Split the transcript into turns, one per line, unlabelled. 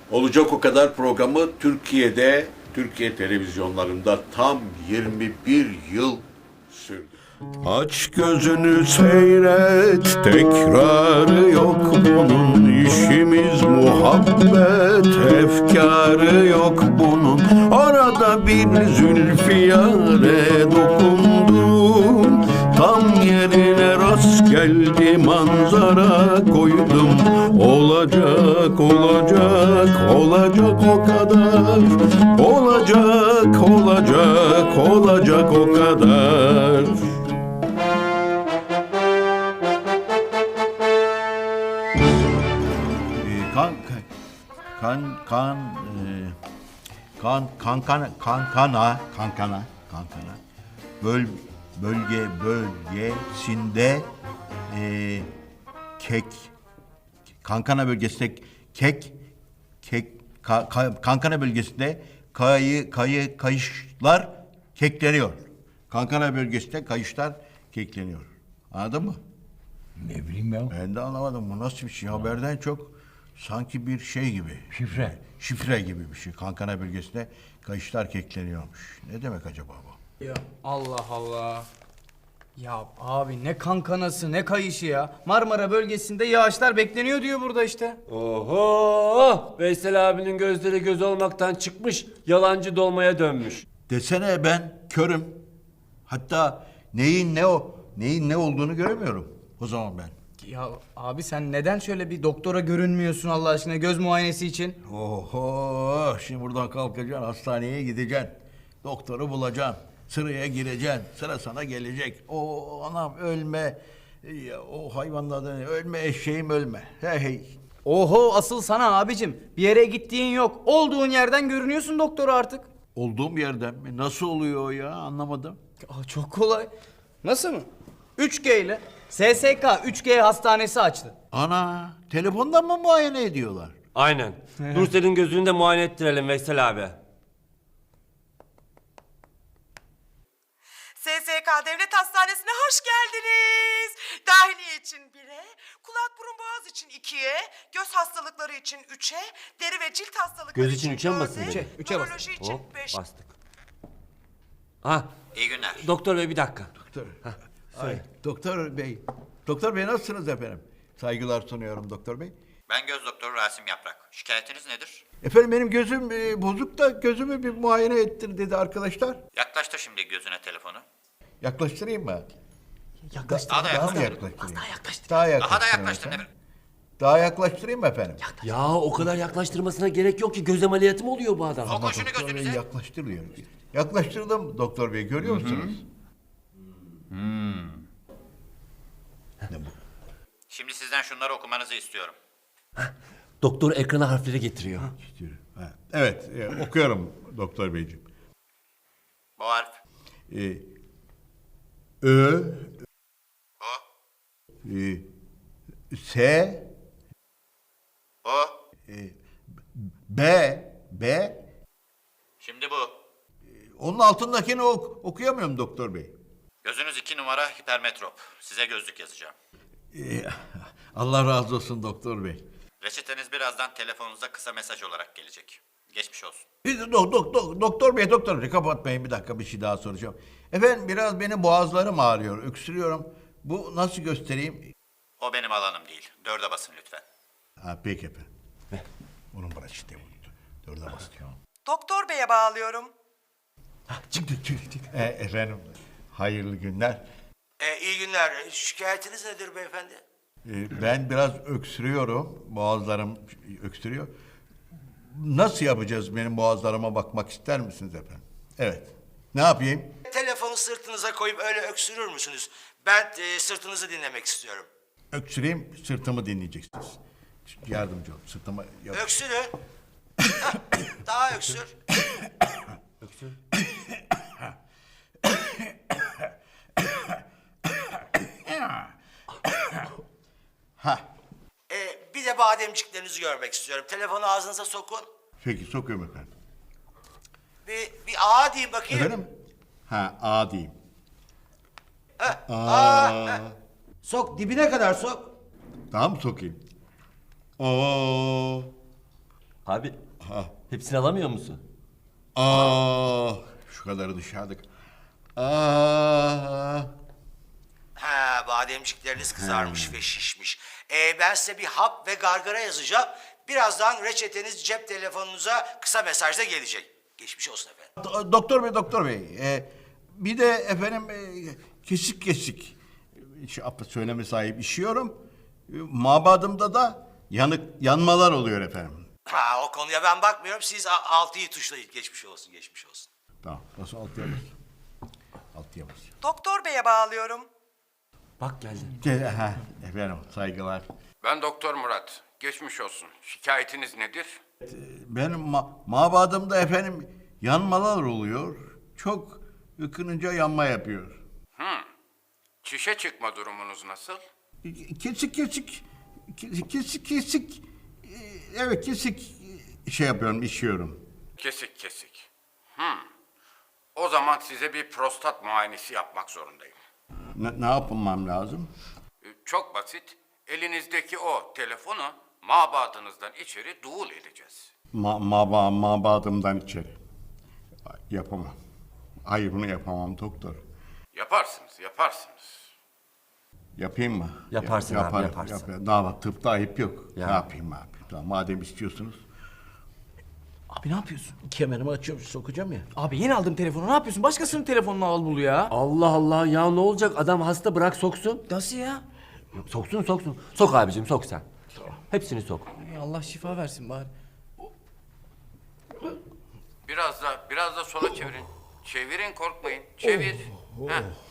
Olacak o kadar programı Türkiye televizyonlarında tam 21 yıl sürdü. Aç gözünü seyret, tekrarı yok bunun. İşimiz muhabbet, efkarı yok bunun. Arada bir zülfiyare dokundum, tam yerine rast geldi manzara koydum. Olacak, olacak, olacak o kadar. Olacak, olacak, olacak o kadar.
Kan kan kan kankana bölgesinde kek kankana bölgesinde kankana bölgesinde kayışlar kekleniyor. Kankana bölgesinde kayışlar kekleniyor. Anladın mı?
Ne bileyim ya.
Ben de anlamadım. Bu nasıl bir şey? Haberden çok sanki bir şey gibi.
Şifre.
Şifre gibi bir şey. Kankana bölgesinde kayışlar kekleniyormuş. Ne demek acaba bu?
Ya Allah Allah. Ya abi ne kankanası ne kayışı ya. Marmara bölgesinde yağışlar bekleniyor diyor burada işte.
Oho! Veysel abinin gözleri göz olmaktan çıkmış, yalancı dolmaya dönmüş.
Desene ben körüm. Hatta neyin ne olduğunu göremiyorum. O zaman ben.
Ya abi sen neden şöyle bir doktora görünmüyorsun Allah aşkına göz muayenesi için?
Oho! Şimdi buradan kalkacaksın, hastaneye gideceksin. Doktoru bulacaksın. Sıraya gireceksin. Sıra sana gelecek. O anam ölme. Ya, o hayvanlardan ölme, eşeğim ölme. Hey hey.
Oho asıl sana abicim bir yere gittiğin yok. Olduğun yerden görünüyorsun doktora artık.
Olduğum yerden mi? Nasıl oluyor o ya? Anlamadım.
Aa, çok kolay. Nasıl mı? 3G ile SSK 3G hastanesi açtı.
Ana, telefondan mı muayene ediyorlar?
Aynen. Nursel'in gözünü de muayene ettirelim Veysel abi.
SSK Devlet Hastanesi'ne hoş geldiniz. Dahiliye için 1'e, kulak burun boğaz için 2'ye, göz hastalıkları için 3'e, deri ve cilt hastalıkları
Göz için üçe mi
4'e,
basın dedi?
Üçe bas.
nöroloji için
Hop,
5.
bastık. Ha,
İyi günler.
doktor bey bir dakika.
Doktor bey nasılsınız efendim? Saygılar sunuyorum doktor bey.
Ben göz doktoru Rasim Yaprak. Şikayetiniz nedir?
Efendim benim gözüm bozuk da gözümü bir muayene ettir dedi arkadaşlar.
Yaklaştır şimdi gözüne telefonu.
Yaklaştırayım mı?
Yaklaştı.
Daha da
Daha mı
yaklaştır.
yaklaştırayım?
Daha yaklaştı.
Daha
Daha da
yaklaştırayım
yaklaştır.
efendim. Daha yaklaştırayım mı efendim?
Ya o kadar yaklaştırmasına gerek yok ki göz ameliyatı mı oluyor bu adam?
Sokun şunu
Doktor bey
gözünüze.
yaklaştırıyor. Yaklaştırdım doktor bey görüyor musunuz? Ne bu?
Şimdi sizden şunları okumanızı istiyorum.
Doktor ekrana harfleri getiriyor.
Ha, evet okuyorum doktor beyciğim.
Bu harf.
Ö,
O.
S,
O.
B.
Şimdi bu.
Onun altındakini okuyamıyorum doktor bey.
Gözünüz 2 numara hipermetrop. Size gözlük yazacağım.
Allah razı olsun doktor bey.
Reçeteniz birazdan telefonunuza kısa mesaj olarak gelecek. Geçmiş olsun.
Doktor bey kapatmayın bir dakika bir şey daha soracağım. Efendim biraz benim boğazlarım ağrıyor, öksürüyorum. Bu nasıl göstereyim?
O benim alanım değil. 4'e basın lütfen.
Ha peki efendim. Onun bana işte bu. Dörde basıyor.
Doktor Bey'e bağlıyorum.
Çıktı. Efendim hayırlı günler.
İyi günler. Şikayetiniz nedir beyefendi?
Ben biraz öksürüyorum. Boğazlarım öksürüyor. Nasıl yapacağız benim boğazlarıma bakmak ister misiniz efendim? Evet. Ne yapayım?
Telefonu sırtınıza koyup öyle öksürür müsünüz? Ben sırtınızı dinlemek istiyorum.
Öksüreyim, sırtımı dinleyeceksiniz. Yardımcı ol, sırtıma...
Öksürün. Hah, daha öksür.
Ha,
Bir de bademciklerinizi görmek istiyorum. Telefonu ağzınıza sokun.
peki sokuyorum efendim.
Bir A deyin bakayım.
Efendim? Ha, A diyeyim.
Sok dibine kadar sok.
Tamam mı sokayım? Oo.
Abi hepsini alamıyor musun?
Şu kadarı dışarıdık.
Ha, bademcikleriniz kızarmış ve şişmiş. Ben size bir hap ve gargara yazacağım. Birazdan reçeteniz cep telefonunuza kısa mesajda gelecek. Geçmiş olsun efendim.
Doktor bey, bir de efendim kesik kesik, söyleme sahip işiyorum. Mabadımda da yanmalar oluyor efendim.
Ha, o konuya ben bakmıyorum. Siz 6'yı tuşlayın. Geçmiş olsun, geçmiş olsun.
Tamam, nasıl altıya bas? Altıya bas.
Doktor beye bağlıyorum.
Bak geldi.
Efendim, saygılar.
Ben Doktor Murat. Geçmiş olsun. Şikayetiniz nedir?
Benim mabadımda efendim yanmalar oluyor. Çok ıkınınca yanma yapıyor.
Çişe çıkma durumunuz nasıl?
Kesik kesik, kesik kesik, evet kesik yapıyorum, işiyorum.
Kesik kesik. O zaman size bir prostat muayenesi yapmak zorundayım.
Ne yapmam lazım?
Çok basit. Elinizdeki o telefonu mabadınızdan içeri duul edeceğiz.
Mabadımdan içeri. Yapamam. Hayır, bunu yapamam doktor.
Yaparsınız, yaparsınız.
Yapayım mı?
Yaparsın abi,
Yaparım,
yaparsın.
yaparım. Daha tıpta ayıp yok.
Ya.
Ne yapayım abi? Tamam, madem istiyorsunuz.
Abi ne yapıyorsun?
Kemerimi açıyorum, sokacağım ya.
Abi yeni aldım telefonu, ne yapıyorsun? Başkasının telefonunu al bul ya.
Allah Allah ya ne olacak adam hasta bırak soksun.
Nasıl ya?
Soksun soksun. Sok abicim sok sen. Hepsini sok.
Ay, Allah şifa versin bari.
Biraz da sola çevirin. Çevirin, korkmayın. Çevir. Heh.